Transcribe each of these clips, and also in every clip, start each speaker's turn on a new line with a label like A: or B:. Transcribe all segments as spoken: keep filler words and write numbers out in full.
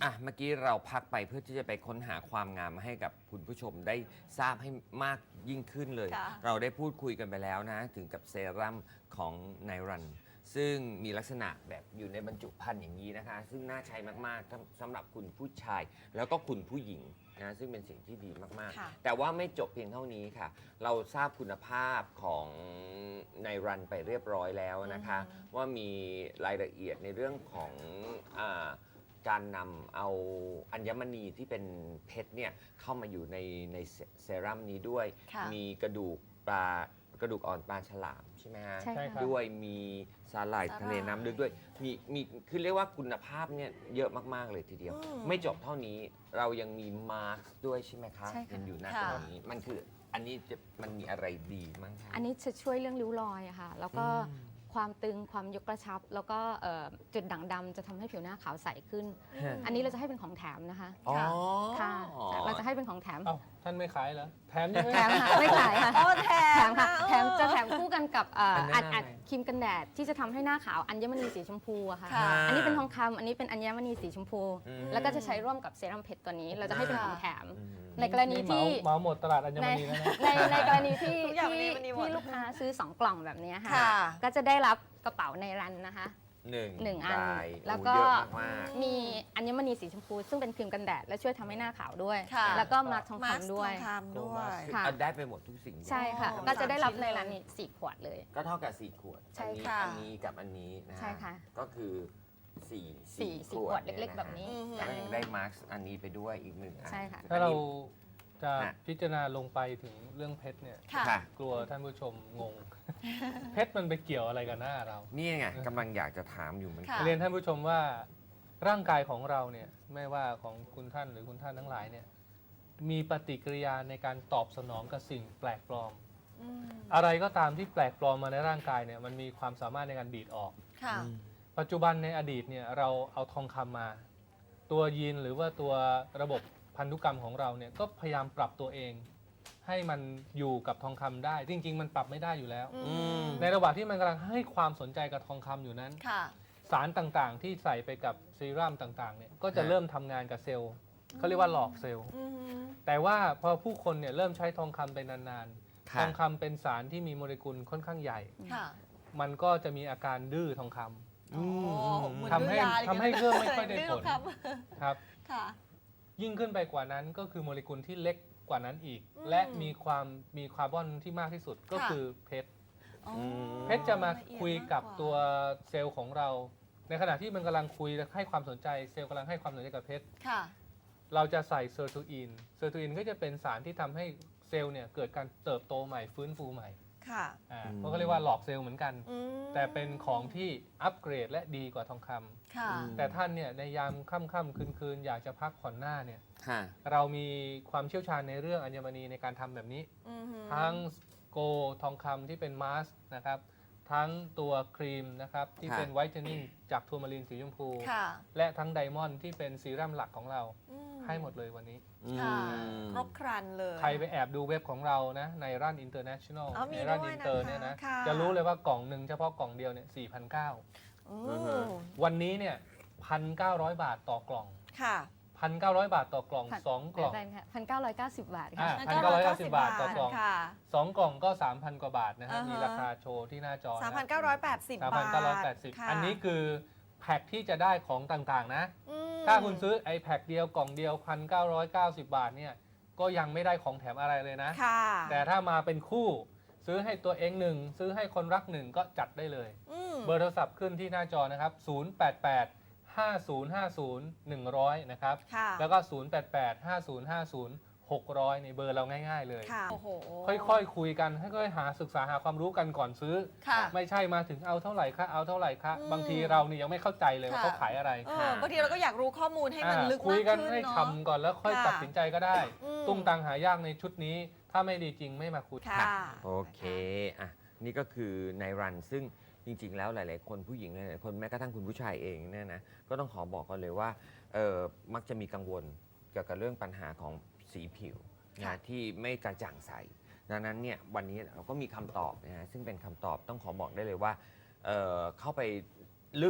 A: อ่ะเมื่อกี้เราพักไปเพื่อที่จะไปค้นหาความงามให้กับคุณผู้ชมได้ทราบให้มากยิ่งขึ้นเลย เราได้พูดคุยกันไปแล้วนะถึงกับเซรั่มของไนรันซึ่งมีลักษณะแบบอยู่ในบรรจุภัณฑ์อย่างนี้นะคะซึ่งน่าใช้มากๆสำหรับคุณผู้ชายแล้วก็คุณผู้หญิงนะซึ่งเป็นสิ่งที่ดีมากๆแต่ว่าไม่จบเพียงเท่านี้ค่ะเราทราบคุณภาพของไนรันไปเรียบร้อยแล้วนะคะว่ามีรายละเอียดในเรื่องของอ่าการนำเอาอัญมณีที่เป็นเพชรเนี่ยเข้ามาอยู่ในในเซรั่มนี้ด้วยมีกระดูกปลากระดูกอ่อนปลาฉลามใช่ไหมฮะ
B: ใช่ค่ะ
A: ด้วยมีสาหร่ายทะเลน้ำลึกด้วยมีมีคือเรียกว่าคุณภาพเนี่ยเยอะมากๆเลยทีเดียว ไม่จบเท่านี้เรายังมีมาสก์ด้วยใช่ไหมคะ
B: ใช่ค่ะ
A: เป็นอยู่หน้าตรงนี้มันคืออันนี้จะมันมีอะไรดีมั้งคะ
B: อันนี้จะช่วยเรื่องริ้วรอยอะค่ะแล้วก็ความตึงความยกกระชับ แล้วก็เอ่อจุดด่างดำจะทำให้ผิวหน้าขาวใสขึ้น อันนี้เราจะให้เป็นของแถมนะคะ
A: อ๋อ
B: ค่ะเราจะให้เป็นของแถม
C: เอ้าท่านไม่ขายเหรอแถมยัง
B: แถ
C: ไม่
B: มค่ะไม่ขายค่ะ
D: โอ้แถ
B: แถ
D: ม
B: มค่ะ
D: นะ
B: แถมจะแถมคู่กันกับเอ่อ
A: อั
B: อั
A: น
B: ด
A: นั้น
B: อัด
A: อะไร
B: ครีมกันแดดที่จะทำให้หน้าขาวอัญมณีสีชมพูอะค่ะ
D: ค่ะ
B: อันนี้เป็นทองคำอันนี้เป็นอัญมณีสีชมพู
A: อืม
B: แล้วก็จะใช้ร่วมกับเซรั่มเพชรตัวนี้ เราจะให้เป็นของแถม
A: อืม
B: ในกรณีที่
C: เหมาหมดตลาดอัญมณีแล้วนะ
B: ในในกรณีที่
D: ทุกอย่าง
B: ที่
D: วันนี้วันนี้หมด
B: ที่ลูกค้าซื้อสองกล่องแบบนี้ค่ะ
D: ค่ะ
B: ก็จะได้รับกระเป๋าในรันนะคะ
A: หนึ่ง
B: หนึ่งอัน
A: ได้
B: แล้ว
A: โอ้
B: ก็
A: เยอะมาก
B: มีอัญมณีสีชมพู ซึ่งเป็นครีมกันแดดและช่วยทำให้หน้าขาวด้วย
D: ค่ะ
B: แล้วก็มาร์คทอง
D: มาสก์
B: คำด้วย
D: ทองคำด้วย
A: ๆคือ
B: ค่ะ
A: เอาได้ไปหมดทุกสิ่ง
B: ใช่ค่ะ
D: อ๋อ
B: ก็จะได้รับ
D: สามชิ้น
B: ใน
D: เลย
B: ร้านนี้สี่ขวดเลย
A: ก็เท่ากับสี่ขวด
B: ใช่
A: อันนี้
D: ค่ะ
A: อันนี้กับอันนี้นะฮ
B: ใช่ค่ะ
A: ก็คือสี่
B: สี่สี่ขวดเล็กๆแบบนี้
A: แล้วก็ยังได้มาร์คอันนี้ไปด้วยอีกหนึ่งอัน
B: ใช่ค่ะ
C: ถ้าเรา
A: อันนี้
C: จะ
A: ฮะ
C: พิจารณาลงไปถึงเรื่องเพชรเนี่ย
D: ค่ะ
A: ค่ะ
C: กลัวท่านผู้ชมงง เพชรมันไปเกี่ยวอะไรกับหน้าเรา
A: นี่ไงกำลังอยากจะถามอยู่เหมือนกัน
D: ค่ะ
C: เรียนท่านผู้ชมว่าร่างกายของเราเนี่ยไม่ว่าของคุณท่านหรือคุณท่านทั้งหลายเนี่ยมีปฏิกิริยาในการตอบสนองกับสิ่งแปลกปลอม
D: อืม
C: อะไรก็ตามที่แปลกปลอมมาในร่างกายเนี่ยมันมีความสามารถในการดีดออก
D: ค่ะ
C: ปัจจุบันในอดีตเนี่ยเราเอาทองคำมา ตัวยีนหรือว่าตัวระบบพันธุกรรมของเราเนี่ยก็พยายามปรับตัวเอง ให้มันอยู่กับทองคำได้ จริง ๆ มันปรับไม่ได้อยู่แล้ว
D: อืม
C: ในระหว่างที่มันกำลังให้ความสนใจกับทองคำอยู่นั้น
D: ค่ะ
C: สารต่างๆ ที่ใส่ไปกับซีรั่มต่างๆเนี่ยก็จะ
A: ฮะ
C: เริ่มทำงานกับเซลล์เขาเรียกว่าหลอกเซลล์
D: อืม
C: แต่ว่าพอผู้คนเนี่ยเริ่มใช้ทองคำไปนานๆ
A: ค่ะ
C: ทองคำเป็นสารที่มีโมเลกุลค่อนข้างใหญ่
D: ค่ะ
C: มันก็จะมีอาการดื้อทองคำ
D: อ๋อเหมือน
C: ทำให้
D: ดื้อยาเลย
C: ทำให้เครื่องไม่ค่อยได้ผล
D: ดื้ครับ
C: ครับ
D: ค่ะ
C: ยิ่งขึ้นไปกว่านั้นก็คือโมเลกุลที่เล็กกว่านั้นอีก
D: อืม
C: และมีความมีคาร์บอนที่มากที่สุดก็
D: ค่ะ
C: คือเพชร
D: อ๋อ
C: เพชรจะมา
D: ลเอีด
C: คุยกับ
D: มากา
C: ตัวเซลล์ของเรา ในขณะที่มันกำลังคุยและให้ความสนใจเซลล์กำลังให้ความสนใจกับเพชร
D: ค่ะ
C: เราจะใส่เซอร์โทอินเซอร์โทอินก็จะเป็นสารที่ทำให้เซลล์เนี่ยเกิดการเติบโตใหม่ฟื้นฟูใหม่
D: ค่ะ
C: อ่า
A: อืม
C: เพราะเขาเรียกว่าหลอกเซลล์เหมือนกัน
D: อืม
C: แต่เป็นของที่อัปเกรดและดีกว่าทองคำ
D: ค่ะ
C: แต่ท่านเนี่ยในยามค่ำๆคืนๆอยากจะพักผ่อนหน้าเนี่ย
A: ค่ะ
C: เรามีความเชี่ยวชาญในเรื่องอัญมณีในการทำแบบนี้
D: อือหือ
C: ทั้งโกทองคำที่เป็นมาสก์นะครับ ทั้งตัวครีมนะครับ ที่
A: ค่ะ
C: เป็นไวท์เทนนิ่งจากทัวร์มารีนสีชมพู
D: ค่ะ
C: และทั้งไดมอนด์ที่เป็นซีรั่มหลักของเรา
D: อืม
C: ให้หมดเลยวันนี้
D: ค่ะ
A: อืม
D: ครบครันเลย
C: ใครไปแอบดูเว็บของเรานะ ในร้านอินเตอร์เนชั่นแนล
D: อ๋อมี
C: ในร้าน
D: ด้วย
C: อินเตอร์
D: นะคะ
C: เนี่ยนะ
D: ค่ะ
C: จะรู้เลยว่ากล่องหนึ่งเฉพาะกล่องเดียวเนี่ยสี่พันเก้า
D: โอ้
A: อือฮึ
C: วันนี้เนี่ยพันเก้าร้อยบาทต่อกล่อง
D: ค่ะ
C: พันเก้าร้อยบาทต่อกล่อง
B: พัน
C: สองกล่อง
B: ได้ค่ะพันเก้าร้อยเก้าสิบบาท
C: อ่า
B: ค่ะ
C: พันเก้าร้อยเก้าสิบบาทต่อกล่อง
D: ค่ะ
C: สองกล่องก็ สามพัน กว่าบาทนะฮะ
D: อ่าฮะ
C: มีราคาโชว์ที่หน้าจอ
D: สาม
C: นะ
D: พันเก้าร้อยแปดสิบ
C: สาม
D: บา
C: พัน
D: ท
C: เก้าร้อยแปดสิบ
D: ค่ะ
C: อันนี้คือแพ็คที่จะได้ของต่างๆนะ
D: อืม
C: ถ้าคุณซื้อไอ้แพ็คเดียวกล่องเดียว พันเก้าร้อยเก้าสิบ บาทเนี่ยก็ยังไม่ได้ของแถมอะไรเลยนะ
D: ค่ะ
C: แต่ถ้ามาเป็นคู่ซื้อให้ตัวเองหนึ่งซื้อให้คนรักหนึ่งก็จัดได้เลย
D: อืม
C: เบอร์โทรศัพท์ขึ้นที่หน้าจอนะครับ ศูนย์ แปด แปด ห้า ศูนย์ ห้า ศูนย์ หนึ่ง ศูนย์ ศูนย์ นะครับ
D: ค่ะ
C: แล้วก็ ศูนย์ แปด แปด ห้า ศูนย์ ห้า ศูนย์ หก ศูนย์ ศูนย์ในเบอร์เราง่ายๆเลย
D: ค่ะ โอ้โห
C: ค่อยๆ คุยกันค่อยๆ หาศึกษาหาความรู้กันก่อนซื้อ
D: ค่ะ
C: ไม่ใช่มาถึงเอาเท่าไหร่คะเอาเท่าไหร่คะ
D: อืม
C: บางทีเรานี่ยังไม่เข้าใจเลยว่า
D: ค่ะ
C: เขาขายอะไร
D: เออบางทีเราก็อยากรู้ข้อมูลให้มัน
C: อ่า
D: ลึก
C: คุ
D: มาย ก
C: กัน
D: ขึ้น
C: ให้
D: เนาะ
C: ทำก่อนแล้วค่อย
D: ค่ะ
C: ตัดสินใจก็ได้
D: อืม
C: ตุ้งตังหายากในชุดนี้ ถ้าไม่ดีจริงไม่มาคุย
D: ค่ะ
A: โอเค อ่ะ นี่ก็คือในรัน ซึ่งจริง ๆ แล้วหลาย ๆ คนผู้หญิงหลายๆคนแม้กระทั่งคุณผู้ชายเองเนี่ยนะ ก็ต้องขอบอกกันเลยว่าเออมักจะมีกังวลเกี่ยวกับเรื่องปัญหาของสีผิว
D: ค่ะ
A: นะที่ไม่กระจ่างใส ดังนั้นเนี่ยวันนี้เราก็มีคำตอบนะฮะซึ่งเป็นคำตอบต้องขอบอกได้เลยว่าเอ่อเข้าไปลึก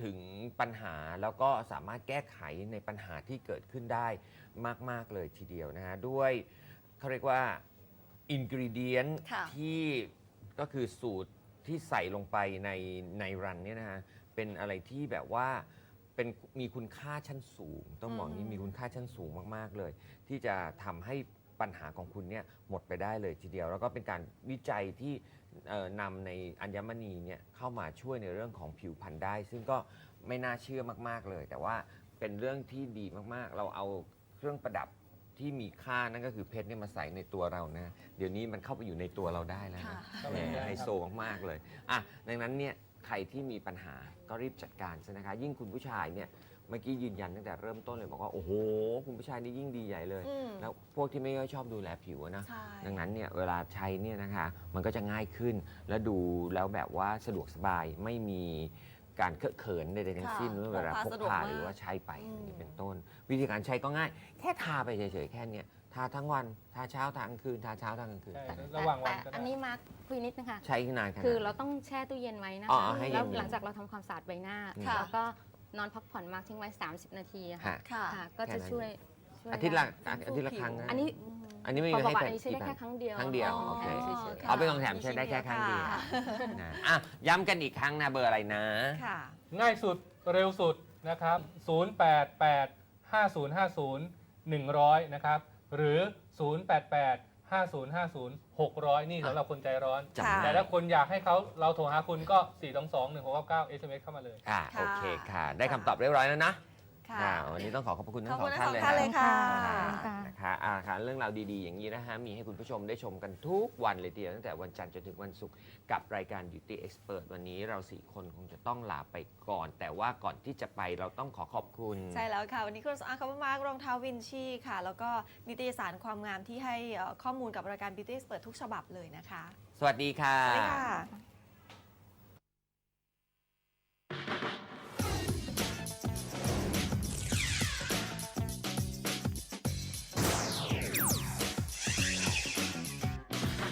A: ถึงปัญหาแล้วก็สามารถแก้ไขในปัญหาที่เกิดขึ้นได้มากๆเลยทีเดียวนะฮะด้วยเขาเรียกว่าอินกริเดียน
D: ค่ะ
A: ที่ก็คือสูตรที่ใส่ลงไปในในรันเนี่ยนะฮะเป็นอะไรที่แบบว่าเป็นมีคุณค่าชั้นสูง ต้องบอกนี้มีคุณค่าชั้นสูงมากๆเลย ที่จะทำให้ปัญหาของคุณเนี่ยหมดไปได้เลยทีเดียว แล้วก็เป็นการวิจัยที่เอ่อนำในอัญมณีเนี่ยเข้ามาช่วยในเรื่องของผิวพรรณได้ ซึ่งก็ไม่น่าเชื่อมากๆเลย แต่ว่าเป็นเรื่องที่ดีมากๆ เราเอาเครื่องประดับที่มีค่านั่นก็คือเพชรเนี่ยมาใส่ในตัวเรานะ เดี๋ยวนี้มันเข้าไปอยู่ในตัวเราได้แล้ว
D: ค่ะ
A: นะแหมไฮโซมากๆเลยอ่ะดังนั้นเนี่ยใครที่มีปัญหาก็รีบจัดการซะนะคะ ยิ่งคุณผู้ชายเนี่ยเมื่อกี้ยืนยันตั้งแต่เริ่มต้นเลยบอกว่าโอ้โหคุณผู้ชายนี่ยิ่งดีใหญ่เลย
D: อืม
A: แล้วพวกที่ไม่ค่อยชอบดูแลผิวอะนะ
D: ใช่
A: ดังนั้นเนี่ยเวลาใช้เนี่ยนะคะมันก็จะง่ายขึ้น และดูแล้วแบบว่าสะดวกสบายไม่มีการเคอะเขินใดๆทั้งสิ้น
D: ค่ะ
A: เมื่อเวลาพ
D: พ
A: ก
D: กพาสะดวกาก
A: พามหรือว่าใช้ไป
D: อืม
A: อย่างนี้เป็นต้น วิธีการใช้ก็ง่าย แค่ทาไปเฉยๆแค่เนี้ยทาทั้งวันทาเช้าทากลางคืนทาเช้าทากลางคืน
C: ใช่
A: แต่
C: ระหว่างวัน
B: แต่
C: ก็ได้
B: อันนี้มาร์คคุยนิดนึงค่ะ
A: ใช้นานขนาด
B: คือเราต้องแช่ตู้เย็นไว้นะ
A: อ๋อ
B: คะ
A: ให้เย็นๆ
B: แล้วหลังจากเราทำความสะอาดใบหน้า
A: ค่ะ
B: แล้วก็นอนพักผ่อนมาร์คทิ้งไว้ สามสิบ นาทีอะค่ะ
A: ฮะ
D: ค่ะ
B: ค่ะ ก็จะช่วยช่วย
A: อาทิตย์ละ
B: ได้
A: อาทิตย์ละครั้งนะ
B: อันนี้
A: อันนี้ไม่
B: ขอ
A: มี
B: บอก
A: ให้
B: ว่า
A: เป็
B: อันนี้ใช้ได้
A: กี่
B: แค่
A: น
B: ครั้งเดียว
A: ครั้งเดียว
B: ของ
A: โอเค
B: แถมเฉยๆ
A: เอาไปของแถมใช้ได้แค่ครั้งเดียว
D: ค่ะ
A: นะอ่ะย้ำกันอีกครั้งนะเบอร์อะไรนะ
D: ค่ะ
C: ง่ายสุดเร็วสุดนะครับ ศูนย์ แปด แปด ห้า ศูนย์ ห้า ศูนย์ หนึ่งศูนย์ นะครับ หรือ ศูนย์ แปด แปด ห้า ศูนย์ ห้า ศูนย์ หกศูนย์ นี่สำหรับคนใจร้อน
A: จำได้
C: แต่ถ้าคนอยากให้เขาเราโทรหาคุณก็ สี่ สอง สอง หนึ่ง หก เก้า เก้า เอส เอ็ม เอส เข้ามาเลย
A: ค่ะ
D: ค่ะ
A: โอเคค่ะ ได้คำตอบเรียบร้อยแล้วนะ
D: ค่ะ
A: ค่ะวันนี้ต้องขอขอบพระคุณทั้
D: ขอบ
A: งสอ
D: คุ
A: ง
D: ณ
A: ท่าน
D: ทั้ง
A: เลย
D: สองท่านเลยค่ะ
B: ค่ะ
A: นะคะอ่าค่ะเรื่องราวดีๆ อย่างนี้นะฮะมีให้คุณผู้ชมได้ชมกันทุกวันเลยทีเดียวตั้งแต่วันจันทร์จนถึงวันศุกร์กับรายการ Beauty Expert วันนี้เราสี่คนคงจะต้องลาไปก่อน แต่ว่าก่อนที่จะไปเราต้องขอขอบคุณ
D: ใช่แล้วค่ะ วันนี้คุณอาคามาร์กรองเท้าวินชีค่ะ แล้วก็นิตยสารความงามที่ให้เอ่อข้อมูลกับรายการ Beauty Expert ทุกฉบับเลยนะคะ
A: สวัสดีค่ะ
D: สวัสดีค่ะ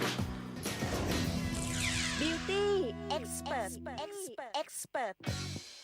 E: Beauty Expert Expert Expert